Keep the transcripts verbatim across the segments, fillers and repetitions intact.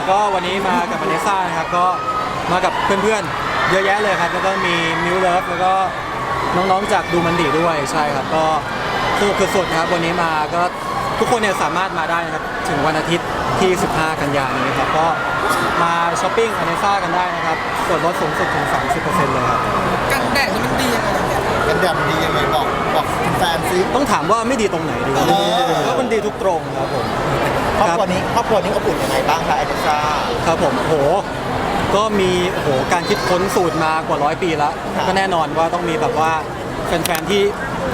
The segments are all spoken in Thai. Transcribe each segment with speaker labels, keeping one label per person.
Speaker 1: ก็วันนี้มากับวาเนซ่านะครับก็มากับเพื่อนๆเยอะแยะเลยครับแล้วก็มีมิวเลิฟแล้วก็น้องๆจากดูมันดีด้วยใช่ครับก็สนุกสุดๆครับวันนี้มาก็ทุกคนเนี่ยสามารถมาได้นะครับถึงวันอาทิตย์ที่สิบห้ากันยายนนี้ครับก็มาช้อปปิ้งวาเนซ่ากันได้นะครับส่วนลดสูงสุดถึง สามสิบเปอร์เซ็นต์ เลยครับ
Speaker 2: กันแดดนี่มันดียังไงกันแดดมันดียังไงบอกบอกแฟนซิ
Speaker 1: ต้องถามว่าไม่ดีตรงไหนดีกว่าก็มันดีทุกตรงครับผม
Speaker 2: ครอบครัวนี้ครอบครัวนี้อบอุ่นยังไงบ้างคะไอเดซ่า
Speaker 1: ครับผมโหก็มีโอ้โหการคิดค้นสูตรมากว่าร้อยปีแล้ว
Speaker 2: ครับ
Speaker 1: ก็แน่นอนว่าต้องมีแบบว่าแฟนๆที่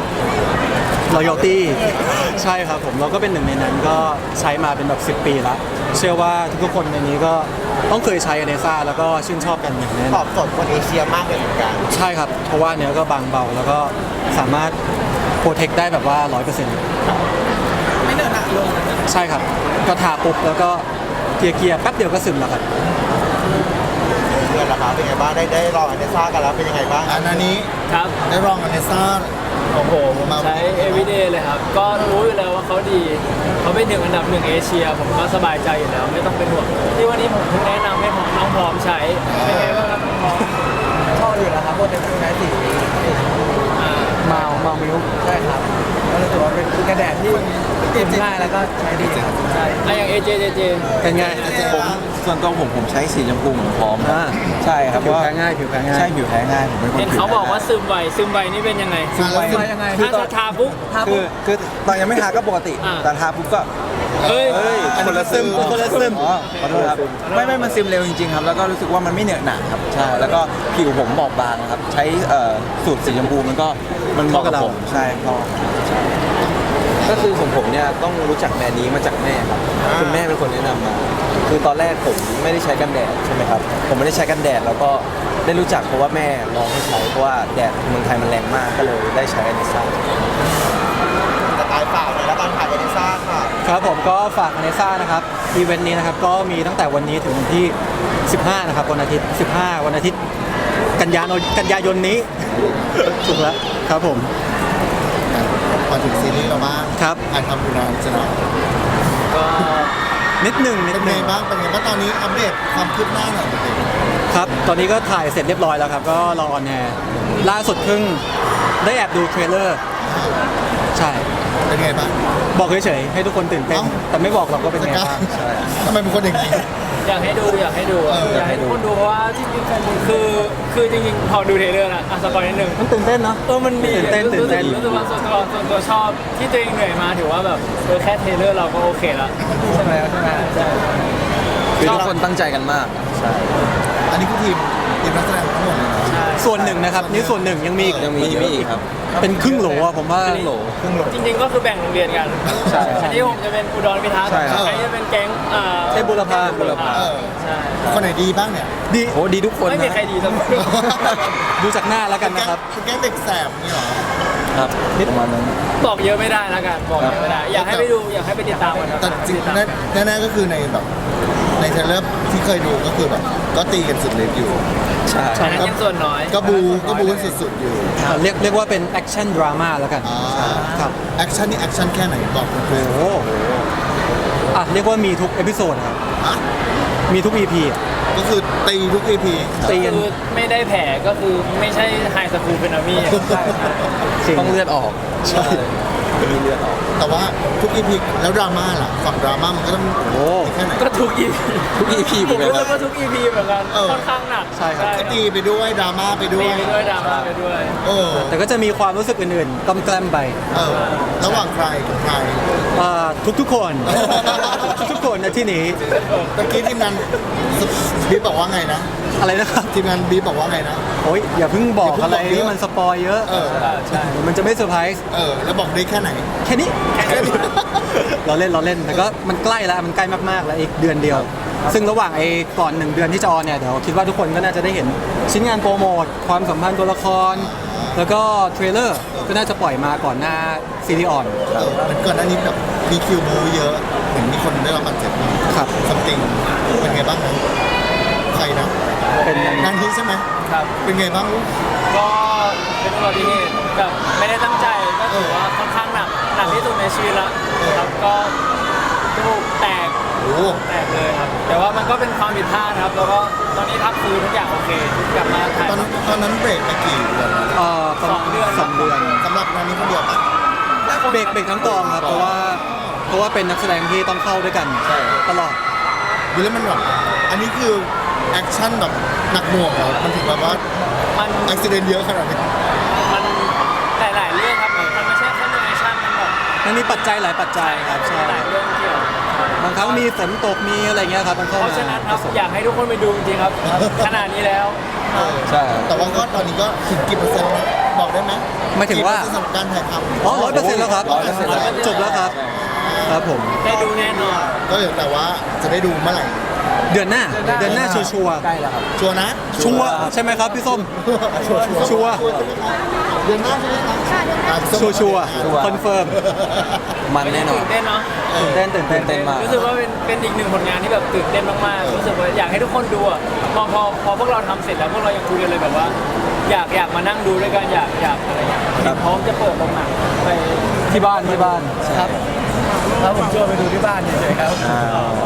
Speaker 1: loyalty ใช่ครับผมเราก็เป็นหนึ่งในนั้นก็ใช้มาเป็นแบบสิบปีแล้วเชื่อว่าทุกๆคนในนี้ก็ต้องเคยใช้อเนซ่าแล้วก็ชื่นชอบกันอย่างแน่น
Speaker 2: ต
Speaker 1: อ
Speaker 2: อน บโจทย์คนเอเชียมากเลยเหมือนกัน
Speaker 1: ใช่ครับเพราะว่าเนื้อก็บางเบาแล้วก็สามารถโปรเทคได้แบบว่า ร้อยเปอร์เซ็นต์
Speaker 2: ไม่เนอะหนักลง
Speaker 1: ใช่ครับก็ทาปุ๊บแล้วก็เกลี่ยๆแป๊บเดียวก็ซึมแล้วครับ
Speaker 2: เพื่อนล่ะคะเป็นไงบ้างได้ได้ลองไอเดซ่ากันแล้วเป็นยังไงบ้าง
Speaker 3: อันนี้
Speaker 4: ครับ
Speaker 3: ได้ลองอเนซ่า
Speaker 4: โอ้โหผมใช้ everyday เลยครับ ก็รู้อยู่แล้วว่าเขาดี เขาเป็นหนึ่งอันดับหนึ่งเอเชีย ผมก็สบายใจอยู่แล้ว ไม่ต้องเป็นห่วงที่วันนี้ผมเพิ่งแนะนำให้น้องพร้อมใช้ เป็นไงบ้างครับน้องพร้อม
Speaker 2: ชอบอยู่นะครับพวกเด็กใช้สี
Speaker 4: อ่า
Speaker 1: เมาเมามิล
Speaker 2: ใช่ครับก็รู้สึกว่าเป็นกระแดดที่ติดง่ายแล้วก็ใช้ดีครับ
Speaker 4: ใช่อ่ะอย่าง เอ เจ เจ เจ
Speaker 1: เป็นไง
Speaker 5: ผมส่วนตัวผมผมใช้สีชมพูเหมือนพร้อม
Speaker 1: อ่า
Speaker 5: ใช่ครับ
Speaker 1: ผิว
Speaker 5: ว่า
Speaker 1: แพ้ง่ายผิวแพ้ง่าย
Speaker 5: ใช่ผิวแพ้ง่ายผมเป็นคน
Speaker 4: เห็น
Speaker 5: ผิว
Speaker 4: เขา
Speaker 5: แพ้
Speaker 4: บอกว่าซึมไว ซึมไวนี่เป็นยังไง
Speaker 3: ซึมไว
Speaker 2: ยังไง
Speaker 4: ถ้าถ้าทาปุ๊บ
Speaker 5: คือคือตอนยังไม่ทาก็ปกติ
Speaker 4: อ่า
Speaker 5: แต่ทาปุ๊บก็
Speaker 4: เฮ้ย
Speaker 5: เฮ้ยคนละซึม
Speaker 1: คนละซึม
Speaker 5: อ๋อขอโทษครับไม่ไม่มันซึมเร็วจริงๆครับแล้วก็รู้สึกว่ามันไม่เหนอะหนาครับใช่แล้วก็ผิวผมบอบบางครับใช้เอ่อสูตรสีชมพูมันก็มันเหมาะกับผมใช่ก็
Speaker 6: ก็คือผมผมเนี่ยต้องรู้จักแบรนด์นี้มาจากแม่ครับคุณแม่เป็นคนแนะนำมา คือตอนแรกผมไม่ได้ใช้กันแดดใช่ไหมครับผมไม่ได้ใช้กันแดดแล้วก็ได้รู้จักเพราะว่าแม่ลองให้ใช้เพราะว่าแดดเมืองไทยมันแรงมากก็เลยได้ใช้อเนซ่า
Speaker 2: จะตายเปล่าเลยแล้วการขายไอเดซ่าค่ะ
Speaker 1: ครับผมก็ฝากอเนซ่านะครับอีเวนต์นี้นะครับก็มีตั้งแต่วันนี้ถึงวันที่สิบห้านะครับวันอาทิตย์สิบห้าวันอาทิตย์กันยายนกันยายนนี้ ถูกแล้วครับผม
Speaker 3: มาถึงซีรีส์เราบ้าง
Speaker 1: ครับ
Speaker 3: อ่านทำคุณนานจะหน่อย
Speaker 4: ก็
Speaker 1: นิดหนึ่งนิ
Speaker 3: เป็
Speaker 1: ด
Speaker 3: น
Speaker 1: ห
Speaker 3: ไง
Speaker 1: นึ่ง
Speaker 3: บ้างเป็นไงบ้างตอนนี้อัปเดตความคืบหน้าหน่อยเป็นไง
Speaker 1: ครับตอนนี้ก็ถ่ายเสร็จเรียบร้อยแล้วครับก็รอออนแอร์ล่าสุดเพิ่งได้แอบดูเทรลเลอร์ใช่
Speaker 3: เป็นไงบ้าง
Speaker 1: บอกเฉยๆให้ทุกคนตื่นเต้น
Speaker 3: เอ้า
Speaker 1: แต่ไม่บอกหรอกว่าเป็น
Speaker 3: จะ
Speaker 1: ไง
Speaker 3: กล้า
Speaker 1: บ้าง
Speaker 3: ทำไมเป็นคนอย่างนี้
Speaker 4: อยากให้ดูอยากให้ดู
Speaker 3: เออ
Speaker 4: อยากให้ทุกคนดูเพราะว่าจริงๆคือคือจริงๆพอดูเทรลเลอร์นะอ่ะสปอยนิดนึง
Speaker 1: มันตื่นเต้นเนาะ
Speaker 4: เออมันดี
Speaker 1: ตื่นเต้นตื่นเต้น
Speaker 4: รู้สึกว่าส่วนตัวส่วนตัวชอบที่ตัวเองเหนื่อยมาถือว่าแบบเออแค่เทรลเลอร์เราก็โอเคแล้วใช่ไหมใช่ไหมใช่
Speaker 6: คือทุกคนตั้งใจกันมากใช่
Speaker 3: อันนี้คือทีมทีมนักแสดงทั้งหมดเลยนะ
Speaker 4: ใช่
Speaker 1: ส่วนหนึ่งนะครับนี่ส่วนหนึ่งยังมีอีก
Speaker 6: ยังมีมีอีกครับ
Speaker 1: เป็นครึ่งโหลอะผมว่า
Speaker 6: ครึ่งโหล
Speaker 3: ครึ่งโหล
Speaker 4: จริงๆก็คือแบ่งโรงเรียนกัน
Speaker 6: ใช่
Speaker 4: อันนี้ผมจะเป็นอุดรพิทักษ์
Speaker 6: ใช่ครับ
Speaker 4: อันนี้จะเป็นแก๊งอ่า
Speaker 1: เทพบุรพา
Speaker 4: บุรพา
Speaker 3: เออ
Speaker 4: ใช่
Speaker 3: คนไหนดีบ้างเนี่ย
Speaker 1: ดี
Speaker 6: โอ้ดีทุกคน
Speaker 4: ไม่มี
Speaker 6: นะ
Speaker 4: ใครดีสักคน
Speaker 1: ดูจากหน้าแล้วกัน
Speaker 3: แก๊ง
Speaker 1: นะครับ
Speaker 3: เป็นแก๊งเด็กแสบนี่เหรอ
Speaker 6: ครับประมาณนั้น
Speaker 4: บอกเยอะไม่ได้แล้วกันบอกเยอะไม่ได้ อยากให้ไปดูอยากให้ไปติดตามกันครับ
Speaker 3: แต่จริงๆแน่ๆก็คือในแบบในเทรลเลอร์ที่เคยดูก็คือแบบก็ตีกันสุดฤทธิ์อยู่
Speaker 6: ใช่
Speaker 4: อันนั้นยังส่วนน้อย
Speaker 3: ก็บูก็บูกันสุดๆอยู่
Speaker 1: เรียกเรียกว่าเป็นแอคชั่นดราม่าแล้วกัน
Speaker 3: อ่า
Speaker 1: ครับ
Speaker 3: แอคชั่นนี่แอคชั่นแค่ไหนบอกคุณครู
Speaker 1: โอ้โหอ่ะเรียกว่ามีทุกเอพิโซดครับ
Speaker 3: อ่ะ
Speaker 1: มีทุก อี พี อะ
Speaker 3: ก็คือตีทุก อี พี
Speaker 1: ตีกัน
Speaker 4: คือไม่ได้แผลก็คือไม่ใช่ไฮสคูลเฟนามี่ใช่ใช่
Speaker 1: จริง
Speaker 6: ต้องเลือดออก
Speaker 3: ใช่
Speaker 6: มีเลือดออก
Speaker 3: แต่ว่าทุก อี พี แล้วดราม่าล่ะฝั่งดราม่ามันก็ต้อง
Speaker 1: โอ้
Speaker 3: ตีแค่ไหน
Speaker 4: ก็ทุกอี
Speaker 6: ทุก อี พี
Speaker 4: ผม
Speaker 6: เหมือน
Speaker 4: รู้
Speaker 6: กัน
Speaker 4: สึกว่าทุกอีพีเหมือนกัน
Speaker 3: เออ
Speaker 4: ค่อนข้างหนัก
Speaker 1: ใช่ครับ
Speaker 3: ก็ตีไปด้วยดราม่าไปด้ว
Speaker 4: มี
Speaker 3: ย
Speaker 4: ไปด้วยดราม่าไปด้วย
Speaker 3: เออ
Speaker 1: แต่ก็จะมีความรู้สึกอื่นๆกำแกล้มไป
Speaker 3: เออระหว่างใครกับใคร
Speaker 1: อ่าทุกๆคน ทุกๆคนในที่นี้
Speaker 3: ตะกี้ทีมงานบีบบอกว่าไงนะ
Speaker 1: อะไรนะครับ
Speaker 3: ทีมงานบีบบอกว่าไงนะ
Speaker 1: โอ้ยอย่าเพิ่งบอก
Speaker 3: อย่าเพิ่ง
Speaker 1: อะไร
Speaker 3: บอกเยอะ
Speaker 1: ที่มันสปอยเยอะ
Speaker 3: เออ
Speaker 4: ใช่
Speaker 1: มันจะไม่เซอร์ไพรส์
Speaker 3: เออแล้วบอกได้แค่ไหน
Speaker 1: แค่นี้
Speaker 3: แค่นี้
Speaker 1: เราเล่นเราเล่นแต่ก็มันใกล้แล้วมันใกล้มากๆแล้วอีกเดือนเดียว ซึ่งระหว่างไอ้ก่อนหนึ่งเดือนที่จะออนเนี่ยเดี๋ยวคิดว่าทุกคนก็น่าจะได้เห็นชิ้นงานโปรโมทความสัมพันธ์ตัวละคร แล้วก็เทรลเลอร์ก็น่าจะปล่อยมาก่อนหน้าซีรีส์ออน
Speaker 3: เออมันก่อนหน้านี้แบบมีคิวบูเยอะเห็นมีคนได้รับบาดเจ็บ
Speaker 1: ครับ
Speaker 3: ซัมติงเป็นไงบ้างนะใครนะ
Speaker 1: เป็น
Speaker 3: งานนี้ใช่ไหม
Speaker 4: ครับ
Speaker 3: เป็นไงบ้างลูก
Speaker 4: ก็เป็นอุบัติเหตุแบบไม่ได้ตั้งใจก็ถือว่าค่อนข้างหนักหนักที่สุดในชีวิตละครับก็จมูกแตก
Speaker 3: โอ้
Speaker 4: แตกเลยครับ แต่ว่ามันก็เป็นความผิดพลาดครับ แล้วก็ตอนนี้พักฟื้นทุกอย่างโอเค กลับมาถ่าย
Speaker 3: ตอนตอนนั้นเบรกไปกี่เดือนนะ
Speaker 1: เอ่อประมาณ
Speaker 4: สองเดือน
Speaker 1: สองเดือน
Speaker 3: สำหรับงานนี้คนเดียวปะ
Speaker 1: เบรกเบรกทั้งกองครับเพราะว่าเพราะว่าเป็นนักแสดงที่ต้องเข้าด้วยกันตลอด
Speaker 3: ดูแล้วมันแบบอันนี้คือแอคชั่นแบบหนักหน่วงเหรอมันถึงแบบว่า
Speaker 4: มัน
Speaker 3: อุบิเหตุเยอะขนาดนี้
Speaker 4: มันหลายๆเรื่องครับ มันไม่ใช่แค่เรื่องแอคชั่นมันแบบ
Speaker 1: มันมีปัจจัยหลายปัจจัยครับใช่
Speaker 4: หลายเรื่องเกี่ยว
Speaker 1: บางครั้งมีฝนตกมีอะไรเงี้ยครับมันเข้า
Speaker 4: เพ
Speaker 1: มา
Speaker 4: ราะฉะนั้นครับอยากให้ทุกคนไปดูจริงๆครับ ขนาดนี้แล้ว
Speaker 3: เออ
Speaker 5: ใช่
Speaker 3: แต่ว่าก็ตอนนี้ก็ถึงกี่เปอร์เซ็นต์แล้วบอกได้ไหม
Speaker 1: ไม่ถึงว่า
Speaker 3: กี่เปอร์เซ็นต์สำหรับการถ่ายทำ
Speaker 1: อ๋อร้อยเปอร์เซ็นต์แล้วครับ
Speaker 3: ร้อยเปอร์เซ็นต์แล้ว
Speaker 1: จบแล้วครับครับผม
Speaker 4: ได้ดูแน่นอน
Speaker 3: ก็เดี๋ยวแต่ว่าจะได้ดูเมื่อไหร่
Speaker 1: เดือนหน้าเดือนหน้าชัวร์ชัวร์
Speaker 5: ใกล้แล้วครับ
Speaker 3: ชัวร์นะ
Speaker 1: ชัวร์ใช่ไหมครับพี่ส้ม ชัวร์
Speaker 3: เดือนหน้าใช่ไหมครับอ่ะ
Speaker 1: ชัวร์ชัวร์คอนเฟิร์ม
Speaker 5: มันแน่นอน
Speaker 4: ตื่นเต้นเนาะ
Speaker 1: ตื่นเต้นตื่นเต้น
Speaker 5: เต้นมาก
Speaker 4: รู้สึกว่าเป็นเป็นอีกหนึ่งผลงานที่แบบตื่นเต้นมากๆ รู้สึกว่าอยากให้ทุกคนดูอ่ะพอพอพอพวกเราทำเสร็จแล้วพวกเรายังคุยกันเลยแบบว่า อยากอยากมานั่งดูด้วยกันอยากอยากอะไรอย่างเงี้ยพร้อมจะเปิดโรงหนังไป
Speaker 1: ที่บ้านที่บ้าน
Speaker 2: ครับแล้วผมชวนไปดูที่บ้านเฉยๆครับ
Speaker 5: อ่า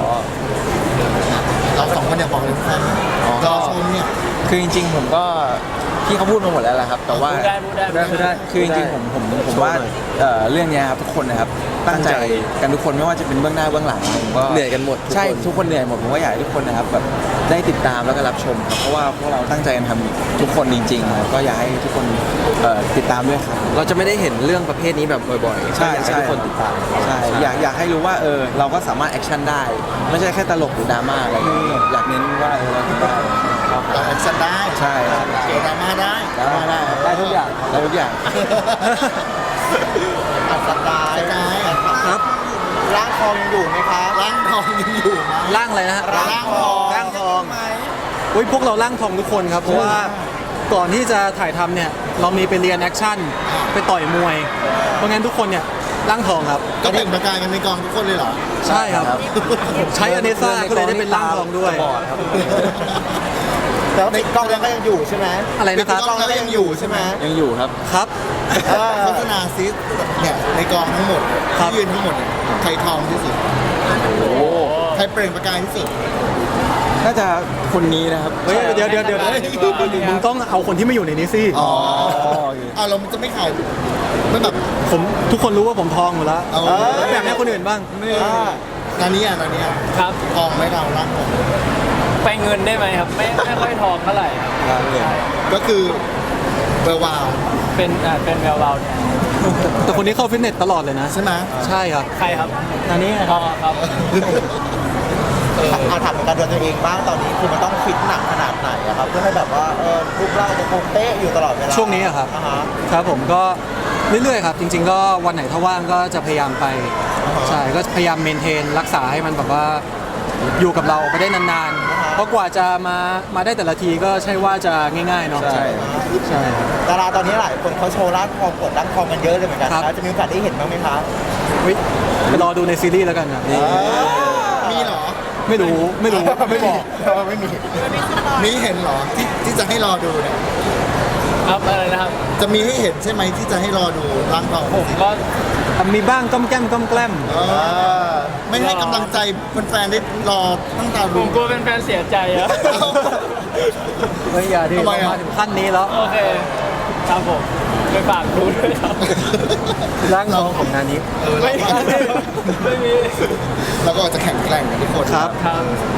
Speaker 3: เราสองคนอยากบอกเลยแฟนรอชมเนี่ย
Speaker 5: คือจริงๆผมก็พี่เขาพูดมาหมดแล้วแหละครับ แต่ว่า
Speaker 4: พูดได้พูดได้
Speaker 1: ได้ได้
Speaker 5: คือจริงๆผมผมผมว่าเอ่อเรื่องเนี้ยครับทุกคนนะครับตั้งใจกันทุกคนไม่ว่าจะเป็นเบื้องหน้าเบื้องหลังผมก็
Speaker 6: เหนื่อยกันหมดทุกคน
Speaker 5: ใช่ทุกคนเหนื่อยหมดผมก็อยากให้ทุกคนนะครับแบบได้ติดตามแล้วก็รับชมครับเพราะว่าพวกเราตั้งใจกันทำทุกคนจริงๆครับก็อยากให้ทุกคนเอ่อติดตามด้วยครับ
Speaker 6: เราจะไม่ได้เห็นเรื่องประเภทนี้แบบบ่อยๆ
Speaker 5: ใช่
Speaker 6: ก็อยากให้
Speaker 5: ใช่
Speaker 6: ทุกคนติดตาม
Speaker 5: ใช่อยากอยากให้รู้ว่าเออเราก็สามารถแอคชั่นได้ ไม่ใช่แค่ตลกหรือดราม่าอะไรอย่างเงี้ยอยากเน้นว่าเออเราทำได้ครับ
Speaker 3: เราแอคชั่นได้
Speaker 5: ใช่ครับ
Speaker 3: เกี่ยวดราม่าได้
Speaker 5: ได้ได้ได้ทุกอย่างได้ทุกอย่าง
Speaker 3: อัดสกายสกาย
Speaker 1: ครับ
Speaker 3: ร่างทองยังอยู่ไหมครับร่างทองยังอยู่ไหม
Speaker 1: ร่างอะไรนะฮะ
Speaker 3: ร่างทอง
Speaker 1: ร่างทองอุ้ยพวกเราร่างทองทุกคนครับเพราะว่าก่อนที่จะถ่ายทำเนี่ยเรามีไปเรียนแอคชั่นไปต่อยมวย เพราะงั้นทุกคนเนี่ยร่างทองครับ
Speaker 3: ก็เปล่งประกายกันในกองทุกคนเลยเหรอ
Speaker 1: ใช่ครับ ใช้อเนซ่าก็เลยได้เป็นร่างทองด้วย
Speaker 6: บอดครับ
Speaker 3: แต่ว่าในกล้องแล้วก็ยังอยู่ใช่ไหม
Speaker 1: อะไรนะครับ
Speaker 3: ในกล้องแล้วก็ยังอยู่ใช่ไหม
Speaker 5: ยังอยู่ครับ
Speaker 1: ครับ
Speaker 3: โฆษณาซิเนี่ยในกองทั้งหมด
Speaker 1: ครับ
Speaker 3: ที่ยืนทั้งหมดเนี่ยใครทองที่สุด
Speaker 5: โอ้
Speaker 3: ใครเปล่งประกายที่สุด
Speaker 5: น่าจะคนนี้นะครับ
Speaker 1: เฮ้ยเดี๋ยวเดี๋ยวเดี๋ยวมึงต้องเอาคนที่ไม่อยู่ในนี้สิ
Speaker 3: อ๋อ
Speaker 5: โอเค
Speaker 3: อ่ะเราจะไม่ขายไม่แบบ
Speaker 1: ผมทุกคนรู้ว่าผมทองอยู่แล้ว
Speaker 3: เอา
Speaker 1: แล้วแบบนี้คนอื่นบ้าง
Speaker 3: นานี้อ่ะนานี้อ่ะ
Speaker 4: ครับ
Speaker 3: ทองไหม่เราร่างทอง
Speaker 4: ไปเงินได้ไหมครับ ไม่ไม่ค่อยทองเท่าไหร่ครับ
Speaker 3: ก็คือเบอร์วาว
Speaker 4: เป็นอ่าเป็นแวววาวเนี่ย
Speaker 1: แต่คนนี้เข้าฟิตเนสตลอดเลยนะ
Speaker 3: ใช่ไหม
Speaker 1: ใช่ครับ
Speaker 4: ใครครับ
Speaker 1: อันนี้
Speaker 4: อ๋อครับ
Speaker 7: อาถามการดูตัวเองบ้างตอนนี้คือมันต้องฟิตหนักขนาดไหนอะครับเพื่อให้แบบว่าเออรูปร่างจะคงเป๊ะอยู่ตลอดเวลา
Speaker 1: ช่วงนี้อะครับ
Speaker 7: อ่าฮะ
Speaker 1: ครับผมก็เรื่อยๆครับ จริง ๆ ก็วันไหนถ้าว่างก็จะพยายามไป ใช่ ก็พยายามเมนเทนรักษาให้มันแบบว่าอยู่กับเราไปได้นานๆ เพราะกว่าจะมามาได้แต่ละทีก็ใช่ว่าจะง่ายๆเนาะ
Speaker 5: ใช่
Speaker 1: ใช่ครับ
Speaker 7: ดาราตอนนี้หลายคนเขาโชว์ร่างทองกดร่างทองกันเยอะเลยเหมือนกัน
Speaker 1: ครับ
Speaker 7: นะจะมีโอกาสได้เห็นบ้างไหมคะ
Speaker 1: เฮ้ยไปรอดูในซีรีส์แล้วกันนะ
Speaker 3: มีเหรอ
Speaker 1: ไม่รู้ไม่รู้ไม่บอก
Speaker 3: ไม่มีมีเห็นเหรอที่ที่จะให้รอดูเนี่ย
Speaker 4: ครับอะไรนะครับ
Speaker 3: จะมีให้เห็นใช่ไหมที่จะให้รอดูร่างทอง
Speaker 4: ผมก็
Speaker 1: มีบ้างก้มแก้มก้มแกล้ม
Speaker 3: เออไม่ให้กำลังใจแฟนๆได้รอตั้งตา
Speaker 4: ผ
Speaker 3: ดู
Speaker 4: มกลัวเป็นแฟนเสียใจอะ
Speaker 1: เฮ้ยอย่าดิ
Speaker 3: ทำไมอะ
Speaker 1: มาถึงขั้นนี้แล้ว
Speaker 4: โอเค ครับผมไปฝากดูด้วยครับ
Speaker 1: ร่างทองของงานนี้
Speaker 3: เออ
Speaker 4: ไม่
Speaker 3: เรา
Speaker 4: มีไม่มี
Speaker 3: เราก็จะแข่งแกร่งกันทุกคน
Speaker 1: ครับ
Speaker 4: ครับ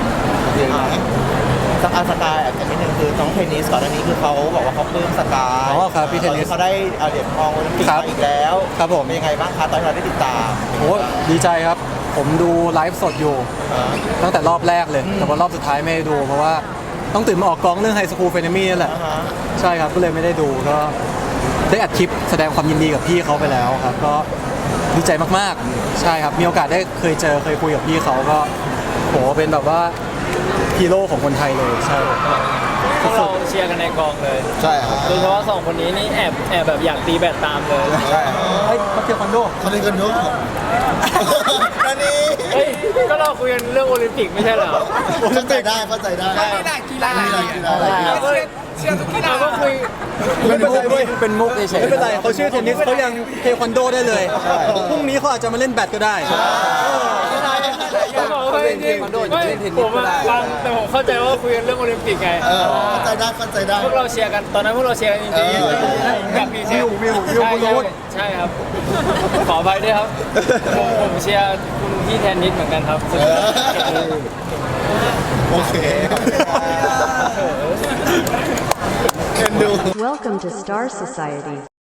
Speaker 7: สักอาสกายอ่ะกันนิดนึงคือน้องเทนนิสก่อนหน้านี้คือเขาบอกว่าเขาปลื้มสกาย
Speaker 1: อ๋อครับพี่เทนนิส
Speaker 7: เขาได้เอาเหรียญทองโอลิมปิก
Speaker 1: ครับ
Speaker 7: มาอีกแล้ว
Speaker 1: ครับผม
Speaker 7: เป็นยังไงบ้างคะตอนที่เราได้ติดตาม
Speaker 1: โอ้ดีใจครับ ผมดูไลฟ์สดอยู่ ตั้งแต่รอบแรกเลย แต่ว่ารอบสุดท้ายไม่ได้ดู เพราะว่าต้องตื่นมาออกกองเรื่องไฮสคูลเฟนมี่นั่นแหละ
Speaker 7: อ่าฮะ
Speaker 1: ใช่ครับ ก็เลยไม่ได้ดู ก็ได้อัดคลิปแสดงความยินดีกับพี่เขาไปแล้วครับ ก็ดีใจมากๆ ใช่ครับ มีโอกาสได้เคยเจอเคยคุยกับพี่เขาก็โหเป็นแบบว่าฮีโร่ของคนไทยเลย ใช่ครับ
Speaker 4: พวกเราเชียร์กันในกองเลย
Speaker 3: ใช่ครับ
Speaker 4: โดยเฉพาะสองคนนี้นี่แอบแอบแบบอยากตีแบดตามเลย
Speaker 3: ใช่
Speaker 1: เฮ้ยเขาเทียควันโด
Speaker 3: เขาเล่นกันเยอะนานี้
Speaker 4: เฮ้ย ก็เราคุยกันเรื่องโอลิมปิกไม่ใช่เหรอ
Speaker 3: เข้าใจได้เข้าใจได้
Speaker 7: กีฬากีฬา
Speaker 3: กีฬากีฬากีฬา
Speaker 4: ก็
Speaker 2: ชียร์ทุกกีฬา
Speaker 4: ก็คุย
Speaker 1: ไม่เป็นไรเว้ย
Speaker 5: เป็นมุกเฉยๆ
Speaker 1: ไม่เป็นไรเขาชื่อเทนนิสเขายังเทควันโดได้เลยพรุ่งนี้เขาอาจจะมาเล่นแบดก็ได้
Speaker 4: ผมบอกว่าจริงๆไม่ผมอะฟังแต่ผมเข้าใจว่าคุยกันเรื่องโอลิมปิกไง
Speaker 3: เออเข้าใจได้เข้าใจได้
Speaker 4: พวกเราเชียร์กันตอนนั้นพวกเราเชียร์กันจริง
Speaker 3: เออ
Speaker 4: ๆกับพีเชียร์
Speaker 1: วิววิว
Speaker 4: ใช่
Speaker 1: วิว
Speaker 4: ใช่ใช่ครับ ขออภัยด้วยครับ ผมผมเชียร์คุณพี่แทนนิสเหมือนกันครับ
Speaker 3: เออโอเคเอ็นดู
Speaker 8: Welcome to Star Society.